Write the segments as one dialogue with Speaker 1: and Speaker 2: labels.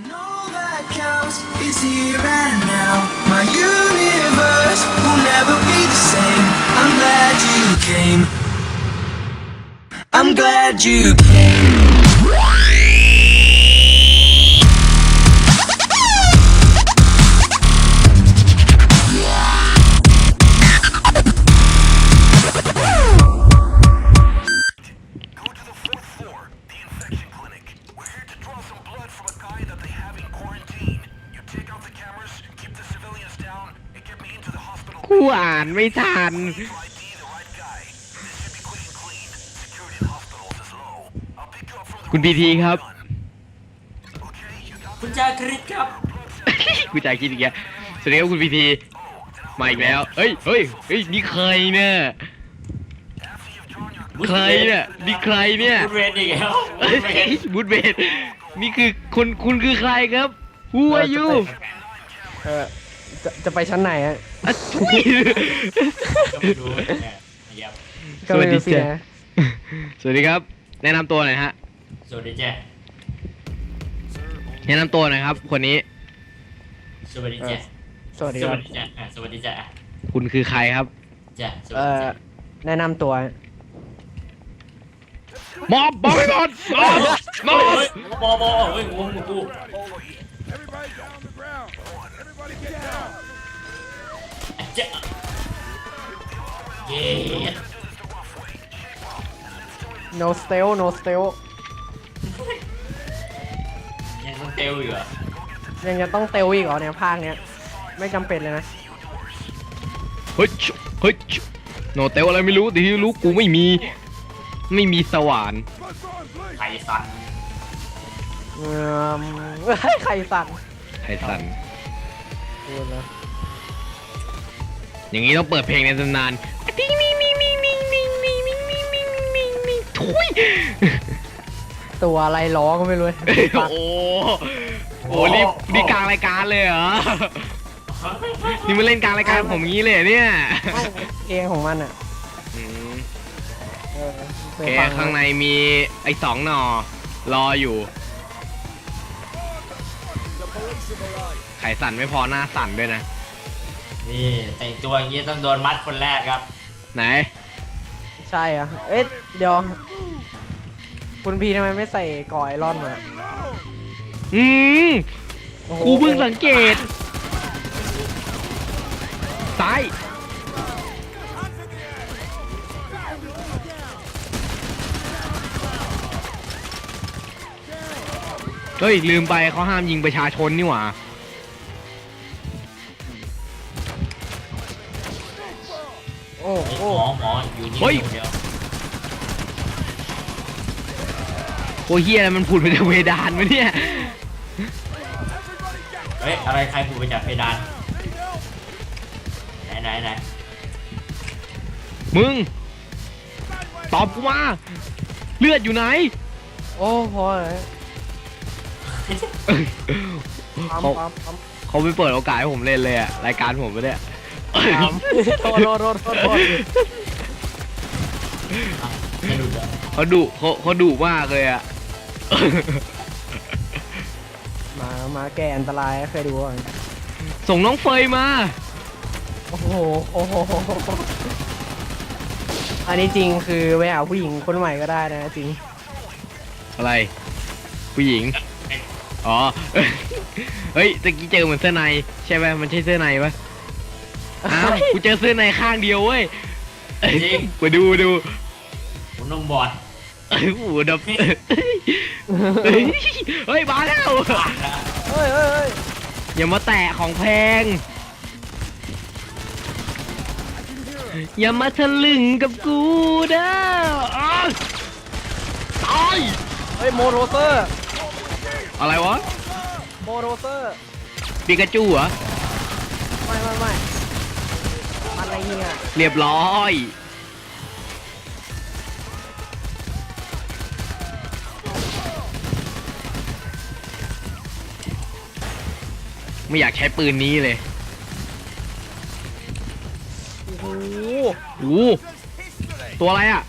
Speaker 1: All that counts is here and now. My universe will never be the same. I'm glad you came. I'm glad you came.
Speaker 2: กูอ่านไม่ทันคุณพีทีครับ
Speaker 3: คุณจาคริสครับ
Speaker 2: กูจ่ายคิดอีกแล้วสวัสดีครับคุณพีทีมาอีกแล้วเฮ้ยนี่ใครเนี่ยใครเนี่ยนี่ใครเนี่ย
Speaker 3: บูธเวนอีกแล้ว
Speaker 2: บูธเบนนี่คือคุณคือใครครับ Who are you
Speaker 4: จะไปชั้นไหนอ่ะ
Speaker 2: อะทุย
Speaker 3: ก็ไม่รู้เนี่ยครับ
Speaker 2: สวัสดี
Speaker 4: ก็ไม่รู้
Speaker 2: จ้ะ
Speaker 4: นะ
Speaker 2: สวัสดีครับ แนะนำตัวหน่อยฮะ
Speaker 3: สวัสดีจ้ะ
Speaker 2: แนะนำตัวหน่อยครับ คนนี้
Speaker 3: สวัสดีจ้ะ
Speaker 4: สวัสดี
Speaker 3: ส
Speaker 4: ค
Speaker 3: วั
Speaker 4: รั
Speaker 3: ส
Speaker 4: บ
Speaker 3: ดีจ้ะสวัสดีจ้ะ
Speaker 2: คุณคือใครครับ
Speaker 3: จ้ะสวัสดีจ้ะ
Speaker 4: แนะนำตัว
Speaker 2: มอบบอกให้หมดมอบ
Speaker 3: เฮ้ยบอเฮ้ยงงกู
Speaker 5: Everybody down on the ground. Everybody get down.
Speaker 3: จ้ะเย้
Speaker 4: no steal no steal
Speaker 3: ยังต้องเตลอยู่เหรอ
Speaker 4: ยังจะต้องเตลอีกเหรอเนี่ยภาคเนี้ยไม่จำเป็นเลยนะ
Speaker 2: เฮ้ยโนเตลอะไรไม่รู้แต่ที่รู้กูไม่มีสว่าน
Speaker 5: Bust on, please.
Speaker 3: ไทสัน
Speaker 4: ใครสั่ง
Speaker 2: ไทสัน
Speaker 4: พูดนะ
Speaker 2: อย่างนี้ต้องเปิดเพลงในตำนานติ๊งนี่ทุย
Speaker 4: ตัวอะไรร้องก็ไม่รู้
Speaker 2: โอ้นี่กลางรายการเลยเหรอ นี่มาเล่นกลางรายการผมงี้เลยเนี่ย
Speaker 4: เพลงของมันอ่ะ
Speaker 2: อืม
Speaker 4: เออเค
Speaker 2: โอย เค
Speaker 4: ฟัง
Speaker 2: ข้างในมีไอ้2 หน่อรออยู่ ไขสั่นไม่พอหน้าสั่นด้วยนะ
Speaker 3: นี่แต่งตัวอย่างนี้ต้องโดนมัดคนแรกครับ
Speaker 2: ไหน
Speaker 4: ใช่อ่ะเอ๊ะเดี๋ยวคุณพีทำไมไม่ใส่ก่อไอรอนมา
Speaker 2: อืม
Speaker 4: โอ้โห
Speaker 2: กูเพิ่งสังเกตซ้ายเฮ้ยลืมไปเขาห้ามยิงประชาชนนี่หว่า
Speaker 4: โอ้
Speaker 3: ไอ้
Speaker 4: โห
Speaker 3: หมออยู่นี่เดียว
Speaker 2: โอ้เฮียอะไรมันผุดมาจากเพดานวะเนี่ย
Speaker 3: เฮ้ยอะไรใครผูกไปจากเพดานไหน
Speaker 2: มึง ตอบกูมา เลือดอยู่ไหน
Speaker 4: โอ้พอเลยปั๊ม
Speaker 2: เขา
Speaker 4: ปั๊ม
Speaker 2: เขาไม่เปิดโอกาสให้ผมเล่นเลยอะรายการผมไม่ได้
Speaker 4: ปั๊มโทษ
Speaker 3: ไม่รู้จ้ะ
Speaker 2: เขาดุมากเลยอะ
Speaker 4: มาแก่อันตรายเคยดูอ่ะ
Speaker 2: ส่งน้องเฟยมา
Speaker 4: โอ้โหอันนี้จริงคือไปหาผู้หญิงคนใหม่ก็ได้นะจริง
Speaker 2: อะไร ผู้หญิง อ๋อ เฮ้ยตะกี้เจอเหมือนเสื้อในใช่ไหมมันใช่เสื้อในปะอ้าวกูเจอเสื้อในข้างเดียวเว้ยมาดู
Speaker 3: ผมต้องบอด
Speaker 2: โอ้โหดับเฮ้ยมาแล้ว
Speaker 4: เฮ้ย
Speaker 2: อย่ามาแตะของแพง อย่ามาทะลึงกับกูเด้ออ้าวตาย
Speaker 4: เฮ้ยโมโรเซอร์
Speaker 2: อะไรวะ
Speaker 4: โมโรเซอร์
Speaker 2: ปิกาจูเหรอ
Speaker 4: ไม่มันอะไรเนี่ย
Speaker 2: เรียบร้อย ไม่อยากใช้ปืนนี้เลย
Speaker 4: โอ้โห
Speaker 2: โอ้โหตัวอะไรอ่ะ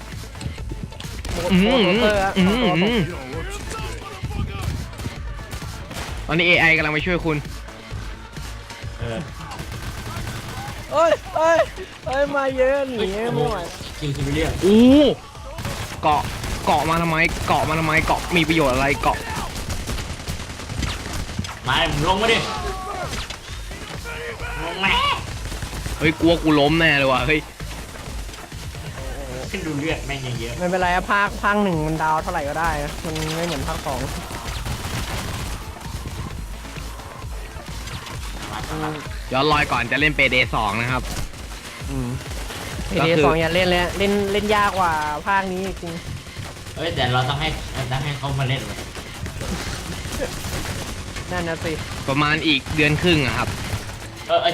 Speaker 4: โมโรเซอร์อะ
Speaker 2: อืม
Speaker 4: ตัว
Speaker 2: อืม
Speaker 4: ตก
Speaker 2: อืมอนนี้ AI กำลังไปช่วยคุณ
Speaker 3: เออ
Speaker 4: เอ้ยเอ้ยเอ้ยมาเยอะหนีไม่ไหว
Speaker 3: คิวซิวิเลียน
Speaker 2: อู้เกาะเกาะมาทำไมเกาะมาทำไมเกาะมีประโยชน์อะไรเกาะ
Speaker 3: มามึงลงมาดิลงมา
Speaker 2: เฮ้ยกลัวกูล้มแน่เลยว่ะเฮ้ย
Speaker 3: ขึ้นดูเลือดแม่งยังเยอะ
Speaker 4: ไม่เป็นไรอะภาคหนึ่งมันดาวเท่าไหร่ก็ได้นะมันไม่เหมือนภาคสอง
Speaker 2: ย้อนรอยก่อนจะเล่นเปเดสองนะครับ
Speaker 4: เอเดสองอย่าเล่นเลยเล่นยากกว่าภาคนี้จริง
Speaker 3: เอ้ยแต่เราต้องให้เขามาเล่นเลย
Speaker 4: นั่นนะสิ
Speaker 2: ประมาณอีกเดือนครึ่งอะครับ
Speaker 3: เออ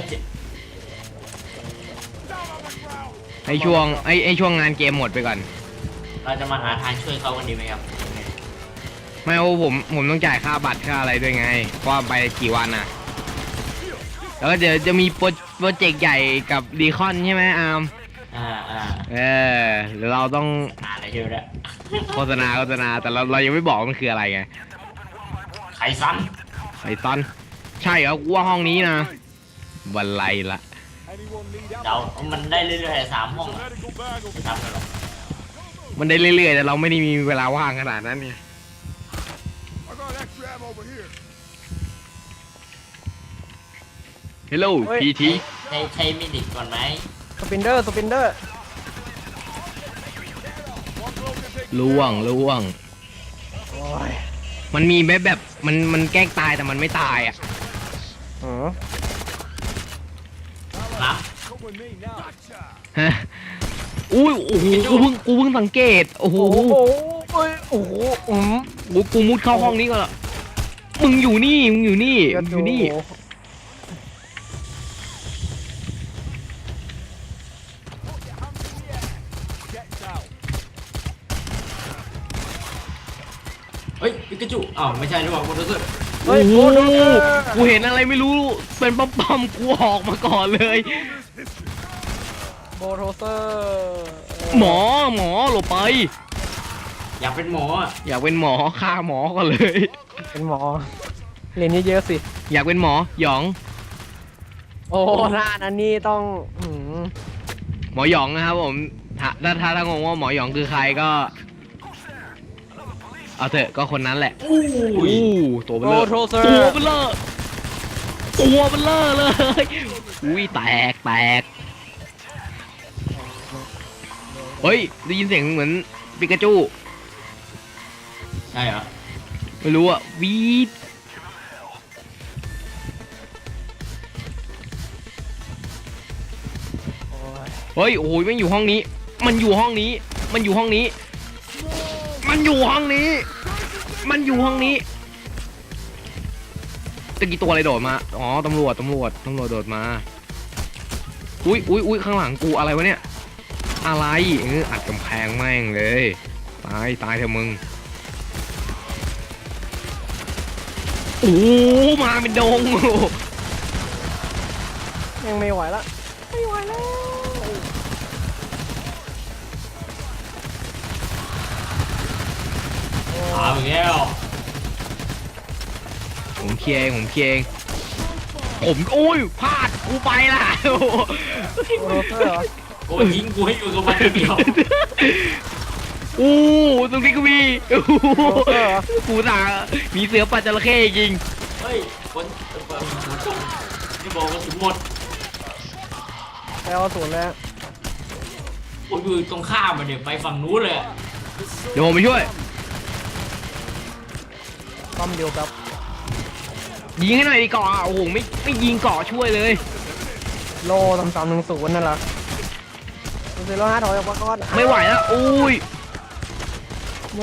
Speaker 2: ให้ช่วงให้ช่วงงานเกมหมดไปก่อน
Speaker 3: เราจะมาหาทางช่วยเขากันดีไหมครับ
Speaker 2: ไม่เอาผมต้องจ่ายค่าบัตรค่าอะไรด้วยไงเพราะว่าไปกี่วันอะแล้วก็เดี๋ยวจะมีโปรเจกต์ใหญ่กับดีคอนใช่ไหมอาร์ม
Speaker 3: อ่า
Speaker 2: หรือเราต้อง
Speaker 3: อะไรเยอะแล้ว
Speaker 2: โฆษณาแต่เรายังไม่บอกว่ามันคืออะไรไง
Speaker 3: ไขซัน
Speaker 2: ไอ้ตอนใช่เหรอกูว่าห้องนี้นะบันไลละ
Speaker 5: Anyone need help?
Speaker 3: เดามันได้เรื่อยๆ3 ห้องอะ
Speaker 5: Medical bag
Speaker 3: ไม่
Speaker 5: over
Speaker 3: ทำกันหรอก
Speaker 2: มันได้เรื่อยๆแต่เราไม่ได้มีเวลาว่างขนาดนั้นไง
Speaker 5: I got extra ammo over here.
Speaker 2: Hello
Speaker 4: เฮ้ย
Speaker 2: PT
Speaker 3: ใช้มิดิกก่อนไหม
Speaker 4: สปินเดอร์
Speaker 5: One blow can take
Speaker 2: ล่วง
Speaker 4: โอ้ย
Speaker 2: มันมีแบบมันแกล้งตายแต่มันไม่ตายอ่ะ
Speaker 4: อ๋อ
Speaker 3: นะ
Speaker 5: come with me now.
Speaker 2: ฮะอุ้ยโอ้โหกูเพิ่งสังเกตโอ้โห
Speaker 4: โอ้โหโอ้โหม
Speaker 2: กูมุดเข้าห้องนี้ก่อนละมึงอยู่นี่มึงอยู่นี่
Speaker 5: Get down.
Speaker 3: เฮ้ยปิกาจูอ้าวไม่ใช่หรือเปล่าคุณรู้สึก
Speaker 4: เฮ้ย
Speaker 2: โอ้
Speaker 4: โอ้
Speaker 2: โห
Speaker 4: โห
Speaker 2: กูเห็นอะไรไม่รู้เป็นปั๊มๆกูออกมาก่อนเลย
Speaker 4: โบโทเซอร์
Speaker 2: หมอหลบไป
Speaker 3: อยากเป็นหมออะ
Speaker 2: อยากเป็นหมอฆ่าหมอก่อนเลย
Speaker 4: เป็นหมอเรียนเยอะๆสิ
Speaker 2: อยากเป็นหมอหยอง
Speaker 4: โอ้หน้านั้นนี่ต้องม
Speaker 2: หมอหยองนะครับผมถ้างงว่าหมอหยองคือใครก็ เอาเถอะก็คนนั้นแหละ
Speaker 3: อู้ย
Speaker 2: ตัวเบ
Speaker 4: โบ
Speaker 2: ลอ
Speaker 4: โทเซอร์
Speaker 2: ตัวเบลอตัวเบลอเลยอุ้ยแตกเฮ้ยได้ยินเสียงเหมือนปิกาจู
Speaker 3: ใช่เหรอ
Speaker 2: ไม่รู้อะวีด
Speaker 4: โอ้ย
Speaker 2: เฮ้ยโอ้ยมันอยู่ห้องนี้ มันอยู่ห้องนี้ มันอยู่ห้องนี้ มันอยู่ห้องนี้ มันอยู่ห้องนี้ตะกี้ตัวอะไรโดดมา อ๋อตำรวจโดดมา อุ้ยข้างหลังกูอะไรวะเนี่ย อะไรอัดกำแพงแม่งเลย ตายเถอะมึง โอ้มาเป็นดง
Speaker 4: ยังไม่ไหวละไม่ไหวแล้ว
Speaker 3: เอาอีกแล้ว
Speaker 2: ผมเคลียร์เองผมโอ้ยพลาดกูไปละโอ้โห
Speaker 4: โบโทเซอร์เหรอ
Speaker 3: โอ้ยทิ้งกูให้อยู่กับมันคนเดียว
Speaker 2: อู้ตรงนี้ก็มีโอ้โห
Speaker 4: โบโทเซอร์เหรอ
Speaker 2: กูตามีเสือปัจจระเข้จริง
Speaker 3: เฮ้ยคนที่บอกว่าสุดหมด
Speaker 4: ไปเอาศูนย์แล้ว
Speaker 3: ผมอยู่ตรงข้ามมันเนี่ยไปฝั่งนู้นเลยอะ
Speaker 2: เดี๋ยวผมไปช่วย
Speaker 4: ต้อมเดียวกับ
Speaker 2: ยิงให้หน่อยดีเกาะโอ้โหไม่ยิงเกาะช่วยเลย
Speaker 4: โล3310นั่นแหละ05ถอยออกมาก่อน
Speaker 2: ไม่ไหวแล้วอุ้ย
Speaker 4: ไม่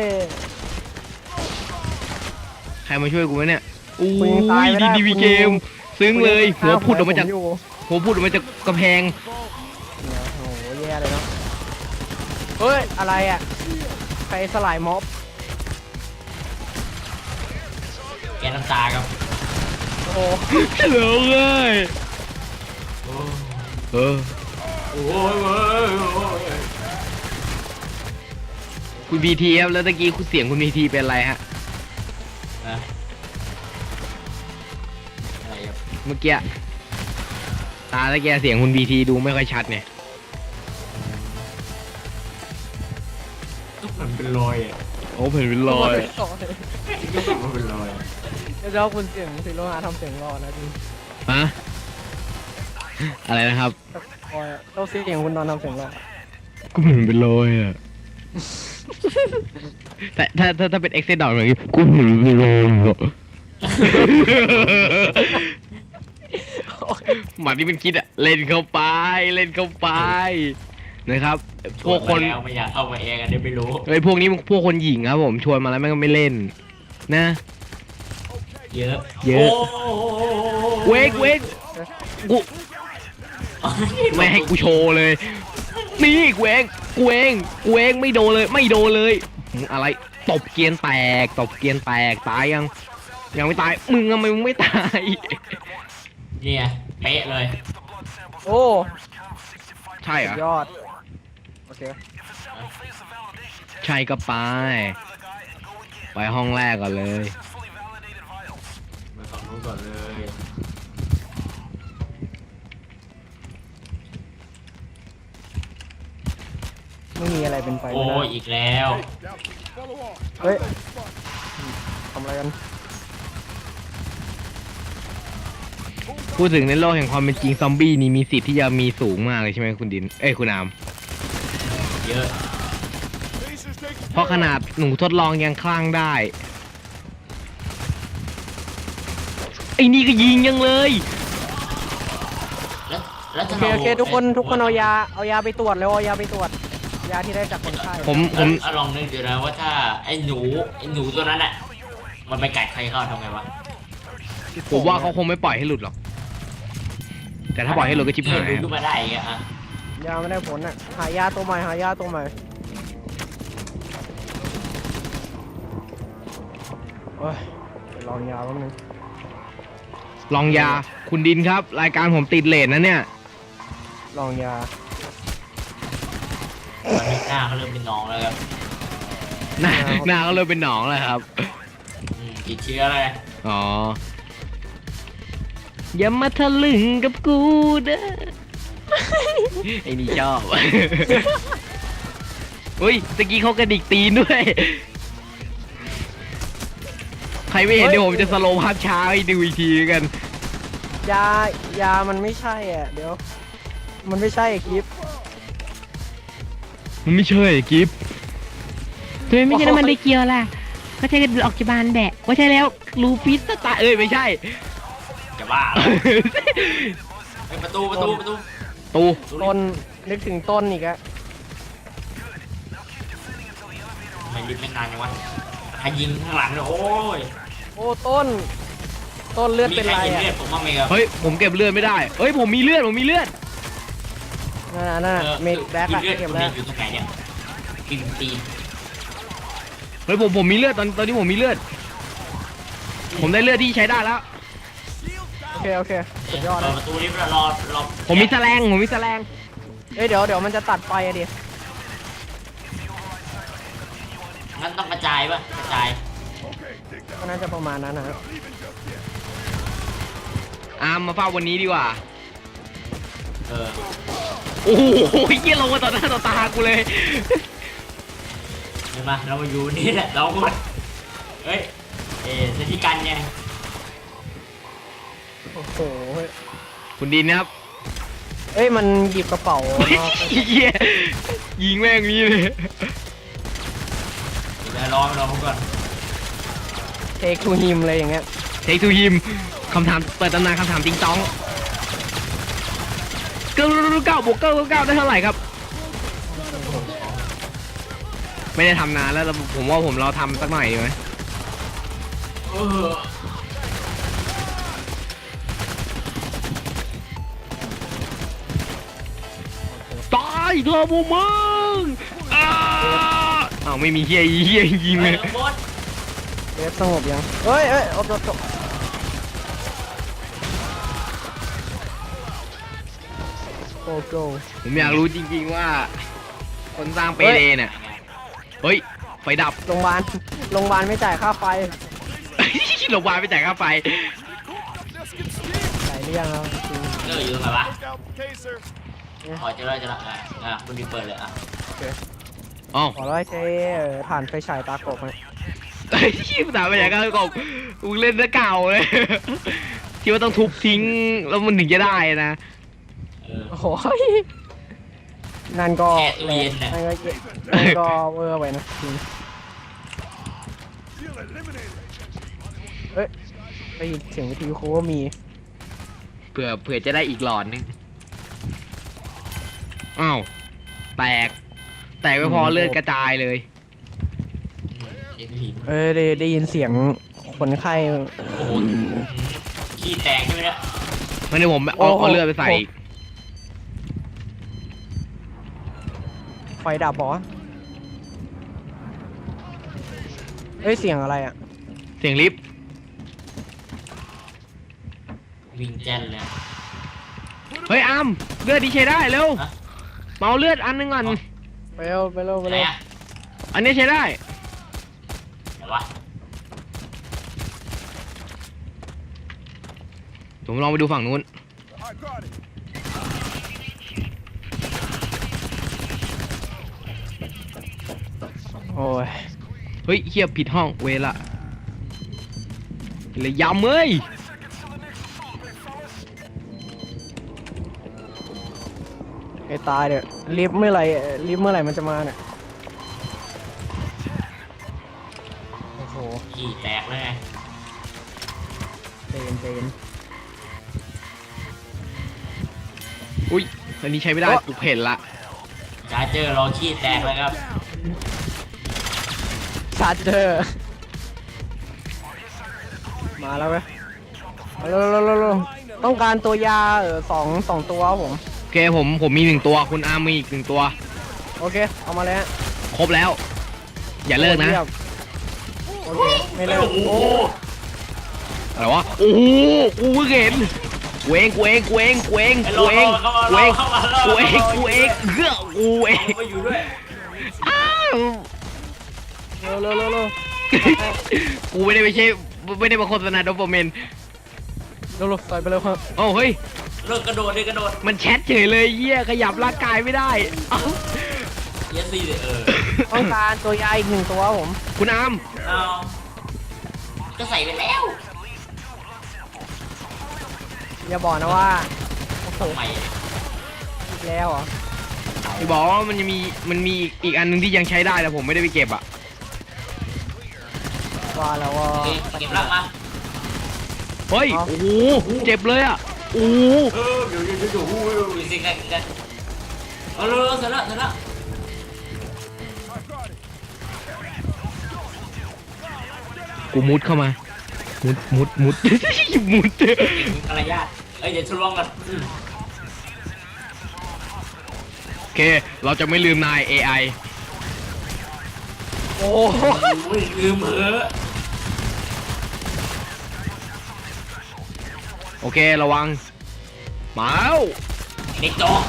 Speaker 2: ใครมาช่วยกูวะเนี่ยอุ้
Speaker 4: คุณยังตาย
Speaker 2: ย
Speaker 4: ไม่ได้
Speaker 2: ดี
Speaker 4: คุณ
Speaker 2: เกม ซึ้งเลยหัวพุดออกมาจาก
Speaker 4: ผมอยู่
Speaker 2: กำแพง
Speaker 4: เนี่ยโอ้โหแย่เลยเนาะเฮ้ยอะไรอ่ะใครสลายม็อบ
Speaker 3: แกน้ำตาครับ
Speaker 4: โอ้โห
Speaker 2: เหลือเลย
Speaker 3: โอ้
Speaker 2: เออ
Speaker 3: โอ้ยเว้ยโอ้ย
Speaker 2: คุณบีทีครับแล้วตะกี้คุณเสียงคุณบีทีเป็นอะไรฮะ
Speaker 3: นะ
Speaker 2: เมื่อกี้ตาตะแกเสียงคุณบีทีดูไม่ค่อยชัดเนี่ย
Speaker 3: ทุกคนเป็นรอยอ่ะ
Speaker 2: โอ้เห็นเป็นรอย
Speaker 3: ทุกคนเป็นรอยอะ
Speaker 4: เดี๋ยวคุณเสียงซีโร่หาทำเสียงรอนะจริง
Speaker 2: ฮะอะไรนะครับ
Speaker 4: คอยเราเสียงคุณนอนทำเสียงรอ
Speaker 2: กูเห็นเป็นรอยอ่ะ แต่ถ้าเป็นเอ็กเซนดอทแบบนี้กูเห็นเป็นรอยอ่ะ หมาที่มันคิดอะเล่นเข้าไปเล่นเข้าไปนะครับ พวกคน
Speaker 3: ชมาแล้วไม่อยากเข้ามาเองอันนี้ไม่รู้
Speaker 2: เฮ้ยพวกนี้มันพวกคนหญิงครับผมชวนมาแล้วแม่งก็ไม่เล่น นะ
Speaker 3: เยอะ
Speaker 2: เยอะ
Speaker 3: โ
Speaker 2: เวกกูไม่ให้กูโชว์เลย นี่กูเองไม่โดนเลยอะไรตบเกียนแตกตายยังไม่ตายมึงทำไมมึงไม่ตาย
Speaker 3: เนี่ยเป๊ะเลย
Speaker 4: โอ้
Speaker 2: ใช่เหร
Speaker 4: สุ
Speaker 2: อ
Speaker 4: ดยอดโอเค
Speaker 2: ใช่ก็ไปห้องแรกก่อนเลย
Speaker 3: มาฝั่งนู้นก่อนเลย
Speaker 4: ไม่มีอะไรเป็นไป
Speaker 3: โอ้
Speaker 4: ไม่ได้
Speaker 3: ยอีกแล้ว
Speaker 5: Now, follow on.
Speaker 4: เฮ้ยทำอะไรกัน
Speaker 2: พูดถึงในโลกแห่งความเป็นจริงซอมบี้นี่มีสิทธิ์ที่จะมีสูงมากเลยใช่ไหมคุณดินคุณอาม
Speaker 3: เยอะ
Speaker 5: Base is taking
Speaker 2: เพราะขนาดหนูทดลองยังคลั่งได้ไอ้นี่ก็ยิงยังเลย
Speaker 3: แล้ว
Speaker 4: โอ
Speaker 3: จะ
Speaker 4: เคโอเคทุกคนเอายาไปตรวจแล้วเอายาไปตรวจยาที่ได้จากคนไข้
Speaker 2: ผม
Speaker 3: แล้วลองนึกดูนะว่าถ้าไอ้หนูตัวนั้นอ่ะมันไปกัดใครเข้าทำไงวะ
Speaker 2: ว่าเขาคงไม่ปล่อยให้หลุดหรอก แต่ถ้าปล่อยให้หลุดก็ชิบหาย
Speaker 3: ดูขึ้นมาได้อีกอ่ะ
Speaker 4: ยาไม่ได้ผลอ่ะหายาตัวใหม่โอ้ยไปลองยาแป๊บนึง
Speaker 2: ลองยาคุณดินครับ รายการผมติดเลทนะเนี่ย
Speaker 4: ลองยา
Speaker 3: ตอนนี้หน้าเขาเริ่มเป็นหนองแล้วครับ
Speaker 2: หน้าก็เริ่มเป็นหนองแล้วครับ
Speaker 3: ติดเชื้อเลย
Speaker 2: อ๋อ อย่ามาทะลึงกับกูเด้อ ไอ้นี่ชอบ อุ้ยตะกี้เขากระดิกตีนด้วย ใครไม่เห็นเดี๋ยวผมจะสโลว์ภาพช้าให้ดูอีกทีกัน
Speaker 4: ยามันไม่ใช่อ่ะเดี๋ยว มันไม่ใช่คลิป
Speaker 2: มันไม่ใช่กิฟ
Speaker 6: ทำไมไม่ใช่น้ำมันไดเกียวล่ะ ก็ใช้กันออกจากบ้านแบะว่าใช่แล้วลูปิสตา
Speaker 2: ไม่ใช่
Speaker 3: จะบ้าเหรอเฮ้ยประตู
Speaker 2: ตู
Speaker 4: ต้นนึกถึงต้นอีกอะ
Speaker 3: ไม่รีบไม่นานยังวะใครยิงข้างหลังเลยโอ้ย
Speaker 4: โอ้ต้นเลือด
Speaker 3: มี
Speaker 4: เป็น
Speaker 3: ใคร
Speaker 4: ไร
Speaker 3: เห็น
Speaker 4: อะ
Speaker 3: เลือดผมบ้างไหมครับ
Speaker 2: เฮ้ยผมเก็บเลือดไม่ได้ เฮ้ยผมมีเลือด
Speaker 4: นั่นน่ะเมดแบ็กอะ
Speaker 3: เลือด
Speaker 4: เก็บ
Speaker 3: ผม
Speaker 4: แล้ว
Speaker 3: อยู่ตรงไหนเนี่ยกินตีน
Speaker 2: เฮ้ยผมมีเลือดตอนนี้ผมมีเลือด ผมได้เลือดที่ใช้ได้แล้ว
Speaker 4: โอเคสุดยอด
Speaker 3: เปิ
Speaker 4: นะ
Speaker 3: ดประตูนี้รอ
Speaker 2: ผมมีแสลง
Speaker 4: เอ้ยเดี๋ยวมันจะตัดไฟอะดิ
Speaker 3: งั้นต้องกระจายป่ะกระจาย
Speaker 4: ก็น่าจะประมาณนั้นนะฮะ
Speaker 2: อาร์มมาเฝ้าวันนี้ดีกว่า
Speaker 3: เออ
Speaker 2: โอ้โหเยี่ยลงมาต่อหน้าต่อตากูเลย
Speaker 3: เห็นปะเรามาอยู่นี่แหละเราหมดเฮ้ยเซติกันไง
Speaker 4: โอ้โห
Speaker 2: คุณดินนะครับ
Speaker 4: เอ้ยมันหยิบกระเป๋า
Speaker 2: เหี้ยยิงแม่งนี้เลย
Speaker 3: เดี๋ยวรอผมก่อน
Speaker 4: เทคทูฮิมอะไรอย่างเงี้ย
Speaker 2: เทคทูฮิมคำถามเปิดตำนานคำถามจริงจ้อง9 บวก 9 ได้เท่าไหร่ครับ ไม่ได้ทำนานแล้วผมว่าเราทำสักหน่อยดีไหม
Speaker 3: เออ
Speaker 2: ตายเธอบูมึงอ้าวไม่มีเฮียยิงเลย
Speaker 3: หมด
Speaker 4: เดฟสงบยังเอ้ยโอ้โหโอ้โห
Speaker 2: ผมอยากรู้จริงๆว่า คนสร้างเปเดเนี่ยเฮ้ยไฟดับ
Speaker 4: โรงพยาบาลไม่จ่ายค่าไฟ
Speaker 2: โรงพยาบาลไปจ่ายค่าไฟ
Speaker 4: จ่ายหรือยังครับ
Speaker 3: เลิกอยู่ตรงไหนวะ
Speaker 5: Look out, taser.
Speaker 3: อ๋อเจอแล้วคุณดีเปิดเลยอ่ะ
Speaker 2: อ๋อ
Speaker 4: ขอร้อยใช้ถ่านไฟฉายตากบนะ
Speaker 2: ไอ้ที่ภาษาไปไหนกันกบมึงเล่นซะเก่าเลยที่ว่าต้องทุบทิ้งแล้วมันถึงจะได้นะ
Speaker 4: โอ้ยนั่นก็
Speaker 3: แค่ตู้เย็นน่ะ
Speaker 4: นั่นก็เวอร์ไปนะจริง
Speaker 5: Feel eliminated.
Speaker 4: เอ้ยได้ยินเสียงวิทยุคูว่ามี
Speaker 2: เผื่อจะได้อีกหลอดนึงอ้าวแตกไม่พอเลือดกระจายเลย
Speaker 3: เอ็นหิน
Speaker 4: ได้ยินเสียงคนไข้
Speaker 3: โอ้โหขี้แตกใช่ไหมเนี่ย
Speaker 2: ไม่ได้ผมเอาเลือดไปใส่อีก
Speaker 4: ไฟดับบอสเอ้ยเสียงอะไรอ่ะ
Speaker 2: เสียงลิฟต์
Speaker 3: วิ่งแจนเลย
Speaker 2: เฮ้ยอ้ำเลือดดีใช้ได้เร็ว
Speaker 3: ฮะ
Speaker 2: เมาเลือดอันนึงก่อน
Speaker 4: ไปเร็วไปเร็วไป
Speaker 3: ไหน
Speaker 4: เร็ว
Speaker 3: อะ
Speaker 2: อันนี้ใช้ได้
Speaker 3: ไหนวะ
Speaker 2: ผมลองไปดูฝั่งนู้น
Speaker 5: I got it.
Speaker 4: โอ้ย
Speaker 2: เฮ้ยเฮียผิดห้องเวละเลยยำเอ้ย
Speaker 4: ไอ้ตายเดี๋ยวลิฟต์เมื่อไหร่มันจะมาเนี่ยโอ้โห
Speaker 3: ขี้แตกเลยไง
Speaker 4: เจน
Speaker 2: อุ้ยอันนี้ใช้ไม่ได้กูเห็นละ
Speaker 3: ชาร์เจอร์รอขี้แตกเลยครับ
Speaker 4: ชาร์เจอร์มาแล้วเว้ยเร็วต้องการตัวยาสองตัวครับผม
Speaker 2: โอเคผมมี1 ตัวคุณอาร์มมีอีก1 ตัว
Speaker 4: โอเคเอามาเลยฮะ
Speaker 2: ครบแล้ว อย่าเลิกนะ
Speaker 4: ยี่ยมโอเคไม่เลิก
Speaker 3: โอ้โห
Speaker 2: อะไรวะโอ้โหกูเพิ่งเห็นกูเอง
Speaker 3: ไอ้รอเข้ามา
Speaker 2: กูเองเฮ้อกูเอง
Speaker 3: มาอยู่ด้วย
Speaker 2: อ้าว
Speaker 4: เร็ว
Speaker 2: กูไม่ได้มาโฆษณาโดปามีน
Speaker 4: ใส่ไปเร็วครับ
Speaker 2: โอ้เฮ้ย
Speaker 3: เลิกกระโดดเลยกระโดด
Speaker 2: มันแชทเฉยเลยเหี้ยขยับร่างกายไม่ได้เอ้า
Speaker 3: เยสซี่เลย
Speaker 4: ต้องการตัวยาอีก1 ตัวครับผม
Speaker 2: คุณอาร์ม
Speaker 3: เอาก็ใส่ไปแล้ว
Speaker 4: อย่าบอกนะว่าโอ้โห
Speaker 3: ทำไม
Speaker 4: อีกแล้วเหรอ
Speaker 2: ที่บอกว่ามันมีอีกอันนึงที่ยังใช้ได้แต่ผมไม่ได้ไปเก็บอ่ะ
Speaker 4: ว่าแล้วว่า
Speaker 3: เก็บร่างมา
Speaker 2: เฮ้ย
Speaker 4: เอา
Speaker 2: โอ้โหเจ็บเลยอ่ะโอ้โห
Speaker 3: เดี๋ยวสิกันเอาเร็วเสร็จแล้ว
Speaker 5: I got it.
Speaker 2: กูมุดเข้ามามุด มุด
Speaker 3: มารยาทเอ้ยเดี๋ยวทดลองกัน
Speaker 2: โอเค เราจะไม่ลืมนาย AI
Speaker 4: โอ้
Speaker 3: โอ้ยลืมเหอะ
Speaker 2: โอเคระวังมาแล้ว
Speaker 3: เด็กโจ๊ก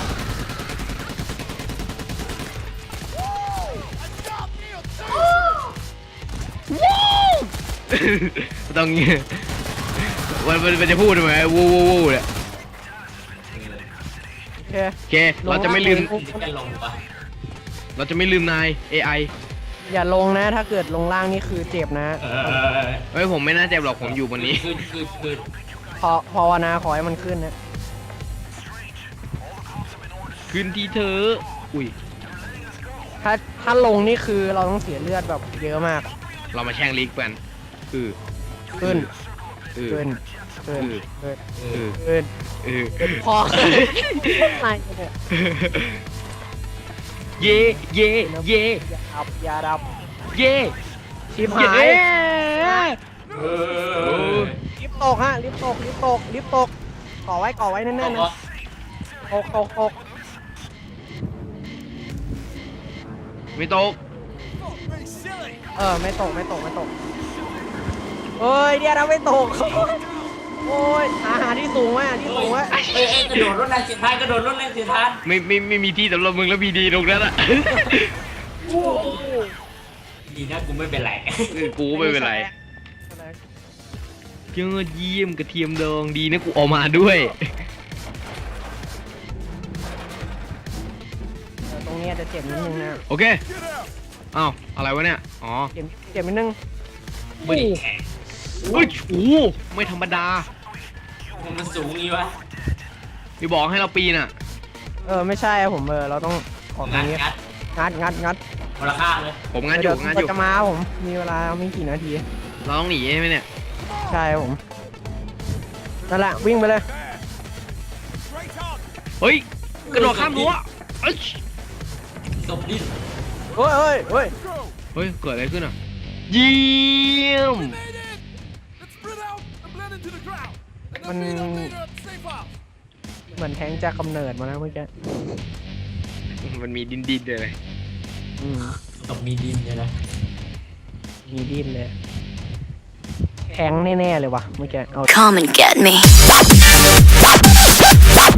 Speaker 2: ต้องเงี้ยมันจะพูดทำไมวูเนี่ย
Speaker 4: โอเค
Speaker 2: โอเค เราจะไม่ลืม
Speaker 3: จะลงปะ
Speaker 2: เราจะไม่ลืมนาย AI
Speaker 4: อย่าลงนะถ้าเกิดลงล่างนี่คือเจ็บนะ
Speaker 2: เฮ้ยผมไม่น่าเจ็บหรอกผมอยู่บนนี้
Speaker 3: คือ
Speaker 4: ภาวนาขอให้มันขึ้นนะ
Speaker 2: ขึ้นที่เธออุ้ย
Speaker 4: ถ้าลงนี่คือเราต้องเสียเลือดแบบเยอะมาก
Speaker 2: เรามาแช่งลีกกัน
Speaker 4: ขึ้น
Speaker 2: เออ
Speaker 4: ขึ้น
Speaker 2: เออ
Speaker 4: พออะไรเนี่ย
Speaker 2: เย่
Speaker 4: อย่าดับ
Speaker 2: เย่
Speaker 4: ชิบหาย ลิฟต์ตกฮะลิฟต์ตกก่อไว้แน่นๆนะตก
Speaker 2: ไม่ตก
Speaker 4: ไม่ตกเอ้ยเดี๋ยวนะไม่ตกโอ้ยหาที่สูงไว้ที่สูงไว้
Speaker 3: กระโดดรถแรงเสียท้ายกระโดดรถแรงเสียท้าย
Speaker 2: ไม่มีที่สำหรับมึงแล้วพีดีตรงนั้นอะ
Speaker 3: ดีนะกูไม่เป็นไร
Speaker 2: กูไม่เป็นไร
Speaker 4: พ
Speaker 2: ยอดเยี่ยมกระเทียมดองดีนะกูเออกมาด้วย
Speaker 4: ตรงเนี้ยจะเจ็บนิดนึงนะ
Speaker 2: โอเคอ้าวอะไรวะเนี่ยอ๋อ
Speaker 4: เจ็บนิดนึง
Speaker 3: ไม่ได้แข็ง
Speaker 2: เฮ้ยโอ้ไม่ธรรมดา
Speaker 3: มันสูงงี้วะ
Speaker 2: มีบอกให้เราปีนอ่ะ
Speaker 4: ไม่ใช่ผมเราต้องออกตร
Speaker 3: งั
Speaker 4: ง
Speaker 3: ด
Speaker 4: นี้
Speaker 3: งัด
Speaker 4: งัด
Speaker 3: คนละข้างเลย
Speaker 2: ผมงานอ
Speaker 4: เดี๋
Speaker 2: ยู่
Speaker 4: ยว
Speaker 2: งานอ
Speaker 4: ก็
Speaker 2: ยู่
Speaker 4: จะมาผมมีเวลาไม่กี่นาที
Speaker 2: เราต้องหนีใช่ไหมเนี่ย
Speaker 4: ใช่ผมนั่นแหละวิ่งไปเลย
Speaker 5: Straight on.
Speaker 2: เฮ้ยกระโดดข้ามรั้วเอ้ย
Speaker 3: ศพดิ้น
Speaker 4: เฮ้ย
Speaker 5: Go.
Speaker 2: เฮ้ยเกิดอะไรขึ้นอ่ะเยี่ยม
Speaker 5: We made it. Let's spread out and blend into the crowd. And
Speaker 4: Mình-
Speaker 5: then meet our leader at the safe house.
Speaker 4: เหมือนแทงจากกำเนิดมาแล้วเมื่อกี้
Speaker 2: มันมีดินเลย
Speaker 4: อืม
Speaker 3: ศพมีดินเนี่ยนะ
Speaker 4: มีดิ้นเลยแทงแน่ๆเลยว่ะเมื่อกี้เอา
Speaker 7: Come and get me.